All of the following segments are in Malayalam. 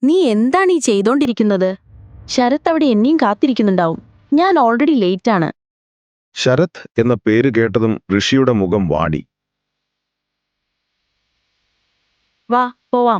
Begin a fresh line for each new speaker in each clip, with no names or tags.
നീ എന്താണ് ഈ ചെയ്തോണ്ടിരിക്കുന്നത്? ശരത് അവിടെ എന്നെയും കാത്തിരിക്കുന്നുണ്ടാവും. ഞാൻ ഓൾറെഡി ലേറ്റാണ്.
ശരത് എന്ന പേര് കേട്ടതും ഋഷിയുടെ മുഖം വാടി.
വാ പോവാം.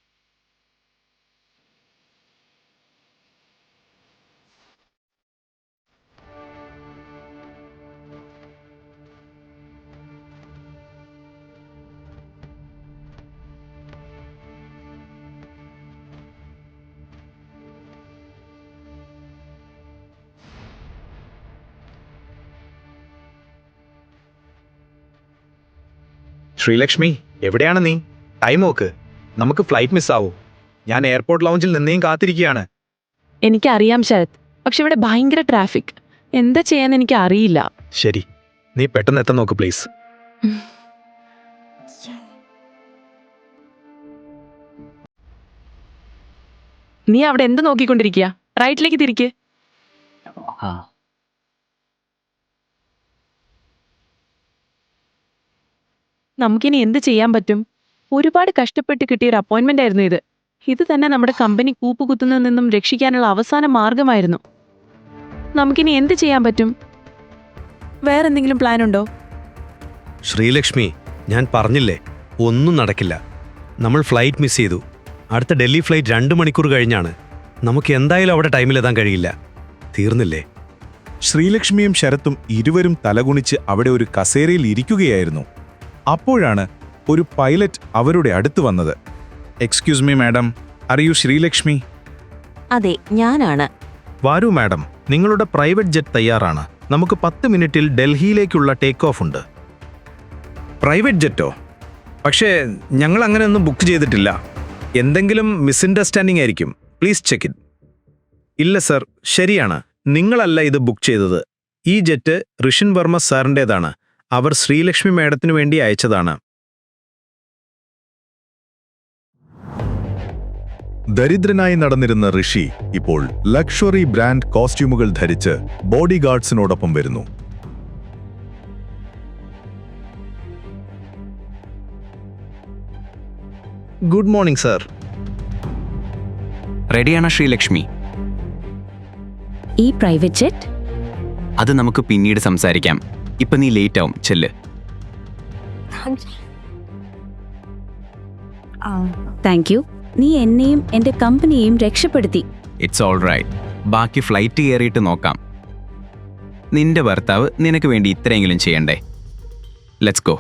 ശ്രീലക്ഷ്മി, എവിടെയാണ് നീ? ടൈം നോക്ക്, നമുക്ക് ഫ്ലൈറ്റ് മിസ്സാവൂ. ഞാൻ എയർപോർട്ട് ലൗഞ്ചിൽ നിന്നെയും കാത്തിരിക്കുകയാണ്.
എനിക്കറിയാം ശരത്, പക്ഷെ ഇവിടെ ഭയങ്കര ട്രാഫിക്. എന്താ ചെയ്യാന്ന് എനിക്ക് അറിയില്ല.
ശരി, നീ പെട്ടെന്ന് എത്താൻ നോക്ക് പ്ലീസ്.
നീ അവിടെ എന്ത് നോക്കിക്കൊണ്ടിരിക്കുക? റൈറ്റിലേക്ക് തിരിക്ക്. നമുക്കിനി എന്ത് ചെയ്യാൻ പറ്റും? ഒരുപാട് കഷ്ടപ്പെട്ട് കിട്ടിയ ഒരു അപ്പോയിന്റ്മെന്റ് ആയിരുന്നു ഇത്. ഇത് തന്നെ നമ്മുടെ കമ്പനി കൂപ്പുകുത്തുന്നതിൽ നിന്നും രക്ഷിക്കാനുള്ള അവസാന മാർഗമായിരുന്നു. നമുക്കിനി എന്ത് ചെയ്യാൻ പറ്റും? വേറെന്തെങ്കിലും പ്ലാൻ ഉണ്ടോ?
ശ്രീലക്ഷ്മി, ഞാൻ പറഞ്ഞില്ലേ, ഒന്നും നടക്കില്ല. നമ്മൾ ഫ്ലൈറ്റ് മിസ് ചെയ്തു. അടുത്ത ഡൽഹി ഫ്ലൈറ്റ് 2 മണിക്കൂർ കഴിഞ്ഞാണ്. നമുക്ക് എന്തായാലും അവിടെ ടൈമിലെത്താൻ കഴിയില്ല. തീർന്നില്ലേ?
ശ്രീലക്ഷ്മിയും ശരത്തും ഇരുവരും തലകുണിച്ച് അവിടെ ഒരു കസേരയിൽ ഇരിക്കുകയായിരുന്നു. അപ്പോഴാണ് ഒരു പൈലറ്റ് അവരുടെ അടുത്ത് വന്നത്. Excuse me madam, are you Sreelakshmi?
അതെ, ഞാനാണ്.
വാരൂ മാഡം, നിങ്ങളുടെ പ്രൈവറ്റ് ജെറ്റ് തയ്യാറാണ്. നമുക്ക് 10 മിനിറ്റിൽ ഡൽഹിയിലേക്കുള്ള ടേക്ക് ഓഫ് ഉണ്ട്.
പ്രൈവറ്റ് ജെറ്റോ? പക്ഷേ ഞങ്ങൾ അങ്ങനെയൊന്നും ബുക്ക് ചെയ്തിട്ടില്ല. എന്തെങ്കിലും മിസ്അണ്ടർസ്റ്റാൻഡിംഗ് ആയിരിക്കും. Please check it. ഇല്ല സർ, ശരിയാണ്. നിങ്ങളല്ല ഇത് ബുക്ക് ചെയ്തത്. ഈ ജെറ്റ് ഋഷിൻ വർമ്മ സാറിൻ്റേതാണ്. അവർ ശ്രീലക്ഷ്മി മാഡത്തിനു വേണ്ടി അയച്ചതാണ്.
ദരിദ്രനായി നടന്നിരുന്ന ഋഷി ഇപ്പോൾ ലക്ഷറി ബ്രാൻഡ് കോസ്റ്റ്യൂമുകൾ ധരിച്ച് ബോഡി ഗാർഡ്സിനോടൊപ്പം വരുന്നു.
Good morning sir.
റെഡിയാണോ ശ്രീലക്ഷ്മി?
ഈ പ്രൈവറ്റ് ജെറ്റ്?
അത് നമുക്ക് പിന്നീട് സംസാരിക്കാം. ഇപ്പൊ നീ ലേറ്റ് ആവും, ചെല്ല്.
Thank you. നീ എന്നെയും എന്റെ കമ്പനിയെയും രക്ഷപ്പെടുത്തി.
It's all right. ബാക്കി ഫ്ലൈറ്റ് കയറിയിട്ട് നോക്കാം. നിന്റെ ഭർത്താവ് നിനക്ക് വേണ്ടി ഇത്രയെങ്കിലും ചെയ്യണ്ടേ? Let's go.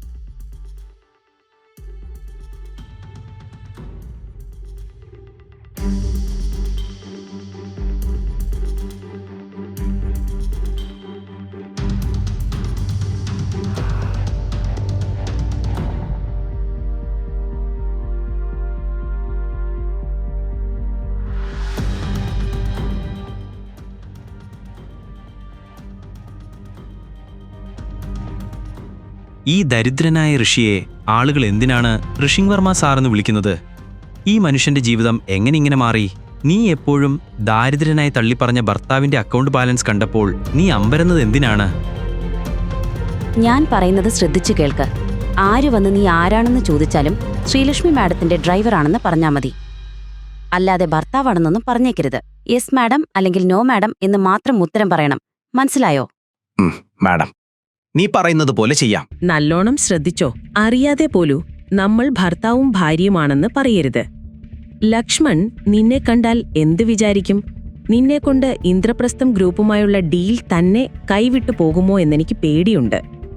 ഈ ദരിദ്രനായ ഋഷിയെ ആളുകൾ എന്തിനാണ് ഋഷിൻ വർമ്മ സാറെന്ന് വിളിക്കുന്നത്? ഈ മനുഷ്യന്റെ ജീവിതം എങ്ങനെ ഇങ്ങനെ മാറി? നീ എപ്പോഴും ദാരിദ്രനായി തള്ളിപ്പറഞ്ഞ ഭർത്താവിന്റെ അക്കൗണ്ട് ബാലൻസ് കണ്ടപ്പോൾ നീ അമ്പരന്നത് എന്തിനാണ്?
ഞാൻ പറയുന്നത് ശ്രദ്ധിച്ചു കേൾക്ക്. ആര് വന്ന് നീ ആരാണെന്ന് ചോദിച്ചാലും ശ്രീലക്ഷ്മി മാഡത്തിന്റെ ഡ്രൈവറാണെന്ന് പറഞ്ഞാൽ മതി. അല്ലാതെ ഭർത്താവാണെന്നൊന്നും പറഞ്ഞേക്കരുത്. യെസ് മാഡം അല്ലെങ്കിൽ നോ മാഡം എന്ന് മാത്രം ഉത്തരം പറയണം. മനസ്സിലായോ?
മാഡം, നീ പറയുന്നത് പോലെ ചെയ്യാം.
നല്ലോണം ശ്രദ്ധിച്ചോ. അറിയാതെ പോലൂ നമ്മൾ ഭർത്താവും ഭാര്യയുമാണെന്ന് പറയരുത്. ലക്ഷ്മൺ നിന്നെ കണ്ടാൽ എന്ത് വിചാരിക്കും? നിന്നെക്കൊണ്ട് ഇന്ദ്രപ്രസ്ഥം ഗ്രൂപ്പുമായുള്ള ഡീൽ തന്നെ കൈവിട്ടു പോകുമോ എന്നെനിക്ക് പേടിയുണ്ട്.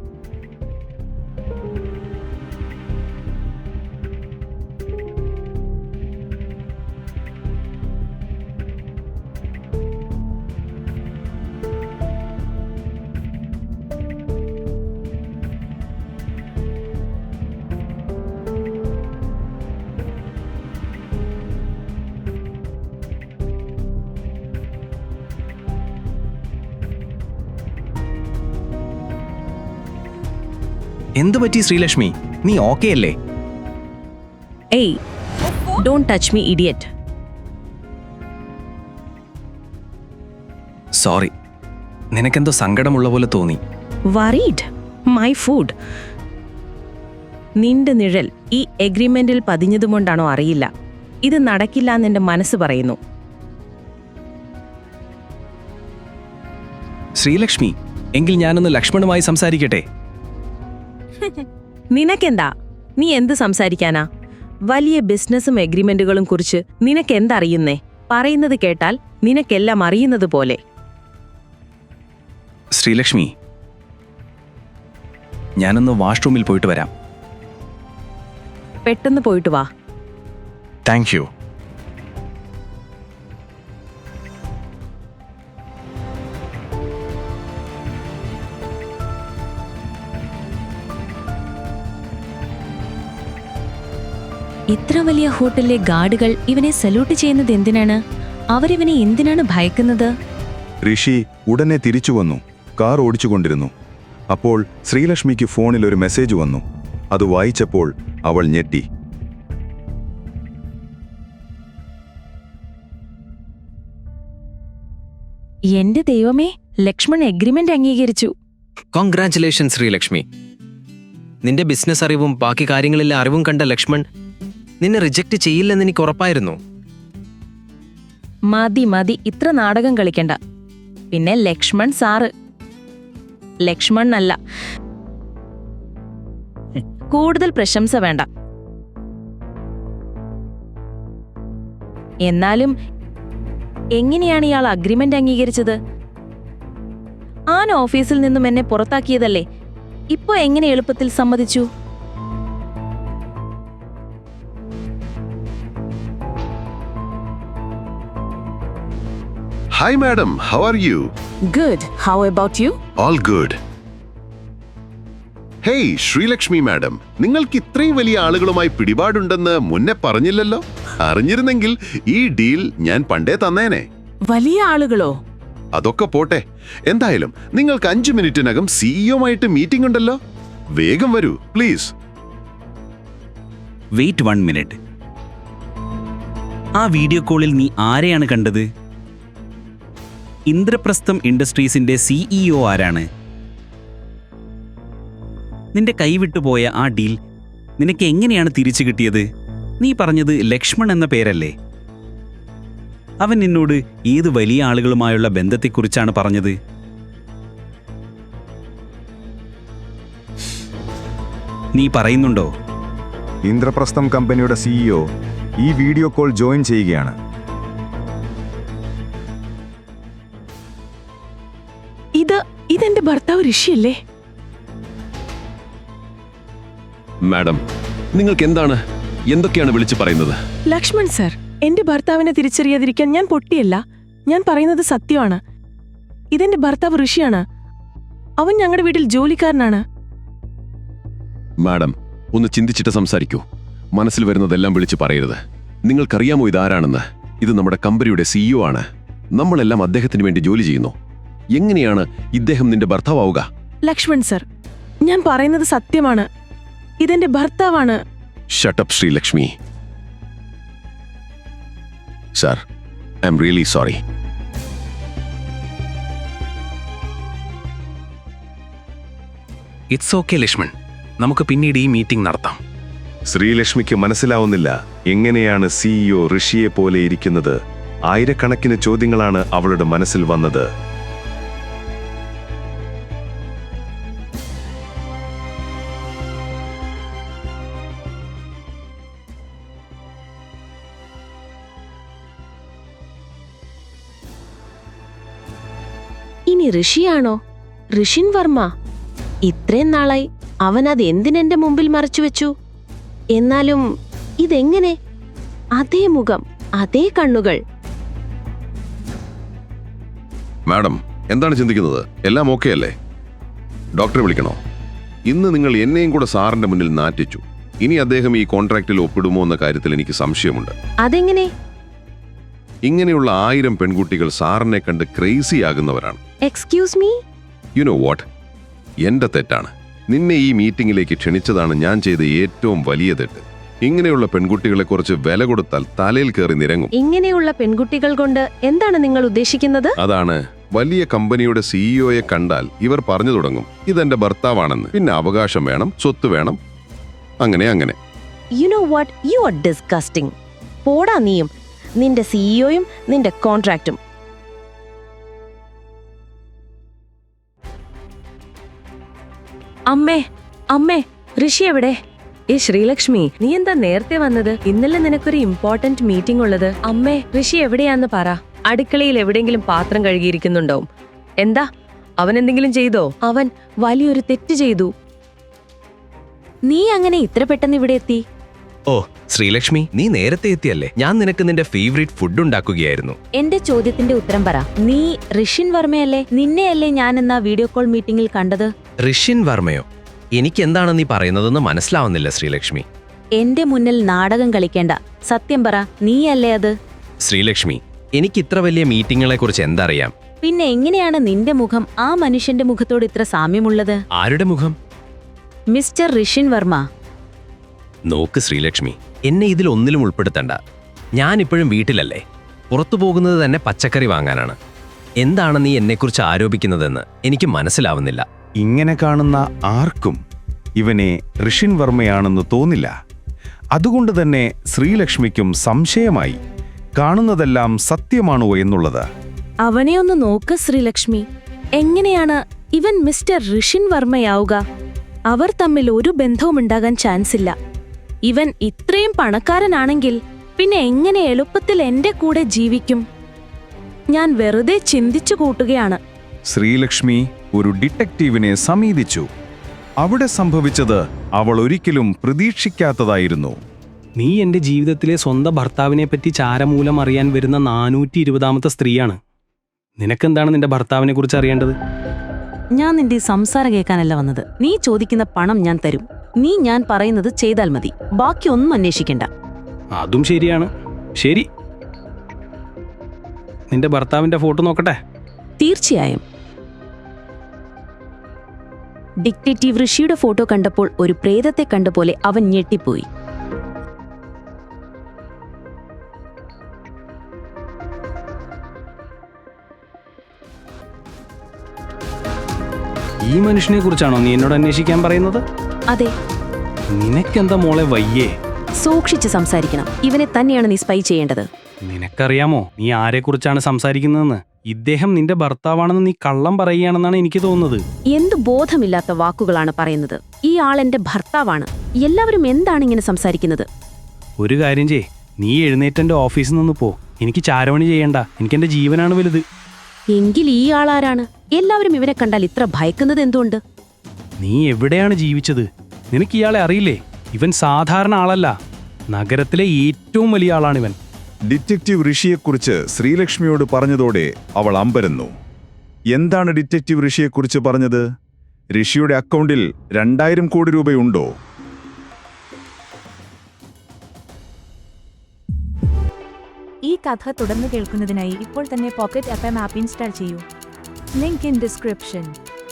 എന്തു പറ്റി ശ്രീലക്ഷ്മി? നീ ഓക്കെ അല്ലേ?
ഏയ്, don't touch me idiot.
Sorry, നിനക്കെന്തോ സങ്കടമുള്ള പോലെ തോന്നി.
വറീഡ്? My food. നിന്റെ നിഴൽ ഈ എഗ്രിമെന്റിൽ പതിഞ്ഞതുകൊണ്ടാണോ അറിയില്ല. ഇത് നടക്കില്ല എന്നെന്റെ മനസ്സ് പറയുന്നു.
ശ്രീലക്ഷ്മി, എങ്കിൽ ഞാനൊന്ന് ലക്ഷ്മണുമായി സംസാരിക്കട്ടെ.
നിനക്കെന്താ? നീ എന്ത് സംസാരിക്കാനാ? വലിയ ബിസിനസ്സും എഗ്രിമെന്റുകളും കുറിച്ച് നിനക്കെന്തറിയുന്നേ? പറയുന്നത് കേട്ടാൽ നിനക്കെല്ലാം അറിയുന്നത് പോലെ.
ശ്രീലക്ഷ്മി, ഞാനൊന്ന് വാഷ്റൂമിൽ പോയിട്ട് വരാം.
പെട്ടെന്ന് പോയിട്ട് വാ.
Thank you.
ഇത്ര വലിയ ഹോട്ടലിലെ ഗാർഡുകൾ ഇവനെ സല്യൂട്ട് ചെയ്യുന്നത് എന്തിനാണ്? അവരിവനെ എന്തിനാണ് ഭയക്കുന്നത്?
ഋഷി ഉടനെ തിരിച്ചു വന്നു. കാർ ഓടിച്ചുകൊണ്ടിരുന്നു. അപ്പോൾ ശ്രീലക്ഷ്മിക്ക് ഫോണിൽ ഒരു മെസ്സേജ് വന്നു. അത് വായിച്ചപ്പോൾ അവൾ ഞെട്ടി.
എന്റെ ദൈവമേ, ലക്ഷ്മൺ എഗ്രിമെന്റ് അംഗീകരിച്ചു.
കോൺഗ്രാറ്റുലേഷൻ ശ്രീലക്ഷ്മി. നിന്റെ ബിസിനസ് അറിവും ബാക്കി കാര്യങ്ങളിലെ അറിവും കണ്ട ലക്ഷ്മൺ നിന്നെ റിജക്റ്റ് ചെയ്യില്ലെന്ന് എനിക്ക് ഉറപ്പായിരുന്നു.
മതി മതി, ഇത്ര നാടകം കളിക്കണ്ട. പിന്നെ ലക്ഷ്മൺ സാറ്, ലക്ഷ്മൺ അല്ല. കൂടുതൽ പ്രശംസ വേണ്ട. എന്നാലും എങ്ങനെയാണ് ഇയാൾ അഗ്രിമെന്റ് അംഗീകരിച്ചത്? ആൻ ഓഫീസിൽ നിന്നും എന്നെ പുറത്താക്കിയതല്ലേ, ഇപ്പൊ എങ്ങനെ എളുപ്പത്തിൽ സമ്മതിച്ചു?
Hi madam, how are you?
Good. How about you?
All good. Hey Sreelakshmi madam, നിങ്ങൾക്ക് ഇത്രയും വലിയ ആളുകളുമായി പിടിപാടുണ്ടെന്ന് മുന്നേ പറഞ്ഞില്ലല്ലോ. അറിഞ്ഞിരുന്നെങ്കിൽ ഈ ഡീൽ ഞാൻ പണ്ടേ തന്നേനെ.
വലിയ ആളുകളോ?
അതൊക്കെ പോട്ടെ. എന്തായാലും നിങ്ങൾക്ക് 5 മിനിറ്റിനകം സിഇഒമായിട്ട് മീറ്റിംഗ് ഉണ്ടല്ലോ. വേഗം വരൂ പ്ലീസ്.
Wait 1 minute. ആ വീഡിയോ കോളിൽ നീ ആരെയാണ് കണ്ടത്? ഇന്ദ്രപ്രസ്ഥം ഇൻഡസ്ട്രീസിന്റെ സിഇഒ ആരാണ്? നിന്റെ കൈവിട്ടുപോയ ആ ഡീൽ നിനക്ക് എങ്ങനെയാണ് തിരിച്ചു കിട്ടിയത്? നീ പറഞ്ഞത് ലക്ഷ്മൺ എന്ന പേരല്ലേ? അവൻ നിന്നോട് ഏത് വലിയ ആളുകളുമായുള്ള ബന്ധത്തെക്കുറിച്ചാണ് പറഞ്ഞത്? നീ പറയുന്നുണ്ടോ?
ഇന്ദ്രപ്രസ്ഥം കമ്പനിയുടെ സിഇഒ ഈ വീഡിയോ കോൾ ജോയിൻ ചെയ്യുകയാണ്.
ഇതെന്റെ ഭർത്താവ് ഋഷിയല്ലേ?
മാഡം, നിങ്ങൾക്ക് എന്തൊക്കെയാണ് വിളിച്ചു പറയുന്നത്?
ലക്ഷ്മൺ സർ, എന്റെ ഭർത്താവിനെ തിരിച്ചറിയാതിരിക്കാൻ ഞാൻ പൊട്ടിയല്ല. ഞാൻ പറയുന്നത് സത്യമാണ്. ഇതെന്റെ ഭർത്താവ് ഋഷിയാണ്. അവൻ ഞങ്ങളുടെ വീട്ടിൽ ജോലിക്കാരനാണ്.
മാഡം, ഒന്ന് ചിന്തിച്ചിട്ട് സംസാരിക്കൂ. മനസ്സിൽ വരുന്നതെല്ലാം വിളിച്ചു പറയരുത്. നിങ്ങൾക്കറിയാമോ ഇതാരാണെന്ന്? ഇത് നമ്മുടെ കമ്പനിയുടെ സിഇഒ ആണ്. നമ്മളെല്ലാം അദ്ദേഹത്തിന് വേണ്ടി ജോലി ചെയ്യുന്നു. എങ്ങനെയാണ് ഇദ്ദേഹം നിന്റെ ഭർത്താവുക?
ലക്ഷ്മൺ സർ, ഞാൻ പറയുന്നത് സത്യമാണ്. ഇതെന്റെ ഭർത്താവാണ്.
Shut up Sreelakshmi. Sir, I am really sorry.
It's okay Lakshman, നമുക്ക് പിന്നീട് ഈ മീറ്റിംഗ് നടത്താം.
ശ്രീലക്ഷ്മിക്ക് മനസ്സിലാവുന്നില്ല എങ്ങനെയാണ് സിഇഒ ഋഷിയെ പോലെ ഇരിക്കുന്നത്. ആയിരക്കണക്കിന് ചോദ്യങ്ങളാണ് അവളുടെ മനസ്സിൽ വന്നത്.
ഇനി ഋഷിയാണോ? ഋഷിൻ വർമ്മ. ഇത്രയും നാളായി അവൻ അത് എന്തിനെന്റെ മുമ്പിൽ മറച്ചുവെച്ചു? എന്നാലും ഇതെങ്ങനെ? അതേ മുഖം, അതേ കണ്ണുകൾ.
മാഡം, എന്താണ് ചിന്തിക്കുന്നത്? എല്ലാം ഓക്കെ അല്ലേ? ഡോക്ടറെ വിളിക്കണോ? ഇന്ന് നിങ്ങൾ എന്നെയും കൂടെ സാറിന്റെ മുന്നിൽ നാറ്റിച്ചു. ഇനി അദ്ദേഹം ഈ കോൺട്രാക്റ്റിൽ ഒപ്പിടുമോ എന്ന കാര്യത്തിൽ എനിക്ക് സംശയമുണ്ട്.
അതെങ്ങനെ?
ഇങ്ങനെയുള്ള 1000 പെൺകുട്ടികൾ സാറിനെ കണ്ട് ക്രേസി ആകുന്നവരാണ്.
Excuse me?
You know what? എന്റെ തെറ്റാണ്. നിന്നെ ഈ മീറ്റിംഗിലേക്ക് ക്ഷണിച്ചതാണ് ഞാൻ ചെയ്ത ഏറ്റവും വലിയ തെറ്റ്. ഇങ്ങനെയുള്ള പെൺകുട്ടികളെ കുറിച്ച് വില കൊടുത്താൽ തലയിൽ കയറി നിരങ്ങും.
ഇങ്ങനെയുള്ള പെൺകുട്ടികൾ കൊണ്ട് എന്താണ് നിങ്ങൾ ഉദ്ദേശിക്കുന്നത്?
അതാണ്, വലിയ കമ്പനിയുടെ സിഇഒയെ കണ്ടാൽ ഇവർ പറഞ്ഞു തുടങ്ങും ഇതെന്റെ ഭർത്താവാണെന്ന്. പിന്നെ അവകാശം വേണം, സ്വത്ത് വേണം, അങ്ങനെ.
You know what? You are disgusting.
പോടാ നീയും, നിന്റെ സിഇഒയും നിന്റെ കോൺട്രാക്റ്റും. അമ്മേ അമ്മേ, ഋഷി എവിടെ? ശ്രീലക്ഷ്മി, നീ എന്താ നേരത്തെ വന്നത്? ഇന്നലെ നിനക്കൊരു ഇമ്പോർട്ടന്റ് മീറ്റിംഗ് ഉള്ളത്. അമ്മേ, ഋഷി എവിടെയാന്ന് പറ. അടുക്കളയിൽ എവിടെയെങ്കിലും പാത്രം കഴുകിയിരിക്കുന്നുണ്ടാവും. എന്താ, അവൻ എന്തെങ്കിലും ചെയ്തോ? അവൻ വലിയൊരു തെറ്റ് ചെയ്തു.
നീ അങ്ങനെ ഇത്ര പെട്ടെന്ന് ഇവിടെ എത്തി?
ഓ ശ്രീലക്ഷ്മി, നീ നേരത്തെ എത്തിയല്ലേ. ഞാൻ നിനക്ക് നിന്റെ ഫേവറേറ്റ് ഫുഡ് ഉണ്ടാക്കുകയായിരുന്നു.
എന്റെ ചോദ്യത്തിന്റെ ഉത്തരം പറ. നീ ഋഷിൻ വർമ്മയല്ലേ? നിന്നെയല്ലേ ഞാൻ എന്നാ വീഡിയോ കോൾ മീറ്റിംഗിൽ കണ്ടത്?
ഋഷിൻ വർമ്മയോ? എനിക്ക് എന്താണ് നീ പറയുന്നതെന്ന് മനസ്സിലാവുന്നില്ല ശ്രീലക്ഷ്മി.
എന്റെ മുന്നിൽ നാടകം കളിക്കേണ്ട. സത്യം പറ, നീയല്ലേ അത്?
ശ്രീലക്ഷ്മി, എനിക്ക് ഇത്ര വലിയ മീറ്റിങ്ങുകളെ കുറിച്ച് എന്തറിയാം?
പിന്നെ എങ്ങനെയാണ് നിന്റെ മുഖം ആ മനുഷ്യന്റെ മുഖത്തോട് ഇത്ര സാമ്യമുള്ളത്?
ആരുടെ മുഖം?
മിസ്റ്റർ ഋഷിൻ വർമ്മ.
നോക്ക് ശ്രീലക്ഷ്മി, എന്നെ ഇതിൽ ഒന്നിലും ഉൾപ്പെടുത്തണ്ട. ഞാനിപ്പോഴും വീട്ടിലല്ലേ. പുറത്തു പോകുന്നത് തന്നെ പച്ചക്കറി വാങ്ങാനാണ്. എന്താണ് നീ എന്നെക്കുറിച്ച് ആരോപിക്കുന്നതെന്ന് എനിക്ക് മനസ്സിലാവുന്നില്ല.
ഇങ്ങനെ കാണുന്ന ആർക്കും ഇവനെ ഋഷിൻ വർമ്മയാണെന്ന് തോന്നില്ല. അതുകൊണ്ട് തന്നെ ശ്രീലക്ഷ്മിക്കും സംശയമായി, കാണുന്നതെല്ലാം സത്യമാണോ എന്നുള്ളത്.
അവനെ ഒന്ന് നോക്ക് ശ്രീലക്ഷ്മി. എങ്ങനെയാണ് ഇവൻ മിസ്റ്റർ ഋഷിൻ വർമ്മയാവുക? അവർ തമ്മിൽ ഒരു ബന്ധവും ഉണ്ടാകാൻ ചാൻസ് ഇല്ല. ഇവൻ ഇത്രയും പണക്കാരനാണെങ്കിൽ പിന്നെ എങ്ങനെ എളുപ്പത്തിൽ എന്റെ കൂടെ ജീവിക്കും? ഞാൻ വെറുതെ ചിന്തിച്ചു കൂട്ടുകയാണ്.
ശ്രീലക്ഷ്മി ഒരു ഡിറ്റക്റ്റീവിനെ സമീപിച്ചു. അവിടെ സംഭവിച്ചത് അവൾ ഒരിക്കലും പ്രതീക്ഷിക്കാത്തതായിരുന്നു.
നീ എന്റെ ജീവിതത്തിലെ സ്വന്തം ഭർത്താവിനെ പറ്റി ചാരമൂലം അറിയാൻ വരുന്ന 420ാമത്തെ സ്ത്രീയാണ്. നിനക്കെന്താണ് നിന്റെ ഭർത്താവിനെ കുറിച്ച് അറിയേണ്ടത്?
ഞാൻ നിന്റെ സംസാരം കേൾക്കാനല്ല വന്നത്. നീ ചോദിക്കുന്ന പണം ഞാൻ തരും. നീ ഞാൻ പറയുന്നത് ചെയ്താൽ മതി. ബാക്കി ഒന്നും അന്വേഷിക്കണ്ട.
അതും ശരിയാണ്. ശരി, നിന്റെ ഭർത്താവിന്റെ ഫോട്ടോ നോക്കട്ടെ.
തീർച്ചയായും. ഡിറ്റക്റ്റീവ് ഋഷിയുടെ ഫോട്ടോ കണ്ടപ്പോൾ ഒരു പ്രേതത്തെ കണ്ട പോലെ അവൻ ഞെട്ടിപ്പോയി.
ഈ മനുഷ്യനെ കുറിച്ചാണോ നീ എന്നോട് അന്വേഷിക്കാൻ പറയുന്നത്?
അതെ.
നിനക്കെന്താ മോളെ വയ്യേ?
സൂക്ഷിച്ച് സംസാരിക്കണം. ഇവനെ തന്നെയാണ് നീ സ്പൈ ചെയ്യേണ്ടത്.
നിനക്കറിയാമോ നീ ആരെക്കുറിച്ചാണ് സംസാരിക്കുന്നതെന്ന്? ഇദ്ദേഹം നിന്റെ ഭർത്താവാണെന്ന് നീ കള്ളം പറയുകയാണെന്നാണ് എനിക്ക് തോന്നുന്നത്.
എന്തു ബോധമില്ലാത്ത വാക്കുകളാണ് പറയുന്നത്. ഈ ആൾ എന്റെ ഭർത്താവാണ്. എല്ലാവരും എന്താണ് ഇങ്ങനെ സംസാരിക്കുന്നത്?
ഒരു കാര്യം ചെയ്യ്, നീ എഴുന്നേറ്റെന്റെ ഓഫീസിൽ നിന്ന് പോ. എനിക്ക് ചാരവണി ചെയ്യണ്ട. എനിക്കെന്റെ ജീവനാണ് വലുത്.
എങ്കിൽ ഈ ആളാരാണ്? എല്ലാവരും ഇവനെ കണ്ടാൽ ഇത്ര ഭയക്കുന്നത് എന്തുകൊണ്ട്?
നീ എവിടെയാണ് ജീവിച്ചത്? നിനക്ക് ഇയാളെ അറിയില്ലേ? ഇവൻ സാധാരണ ആളല്ല. നഗരത്തിലെ ഏറ്റവും വലിയ ആളാണിവൻ.
ഡിറ്റക്റ്റീവ് ഋഷിയെക്കുറിച്ച് ശ്രീലക്ഷ്മിയോട് പറഞ്ഞതോടെ അവൾ അമ്പരന്നു. എന്താണ് ഡിറ്റക്റ്റീവ് ഋഷിയെക്കുറിച്ച് പറഞ്ഞത്? ഋഷിയുടെ അക്കൗണ്ടിൽ 2000 കോടി രൂപയുണ്ടോ?
ഈ കഥ തുടർന്ന് കേൾക്കുന്നതിനായി ഇപ്പോൾ തന്നെ പോക്കറ്റ് FM ആപ്പ് ഇൻസ്റ്റാൾ ചെയ്യൂ. Link in description.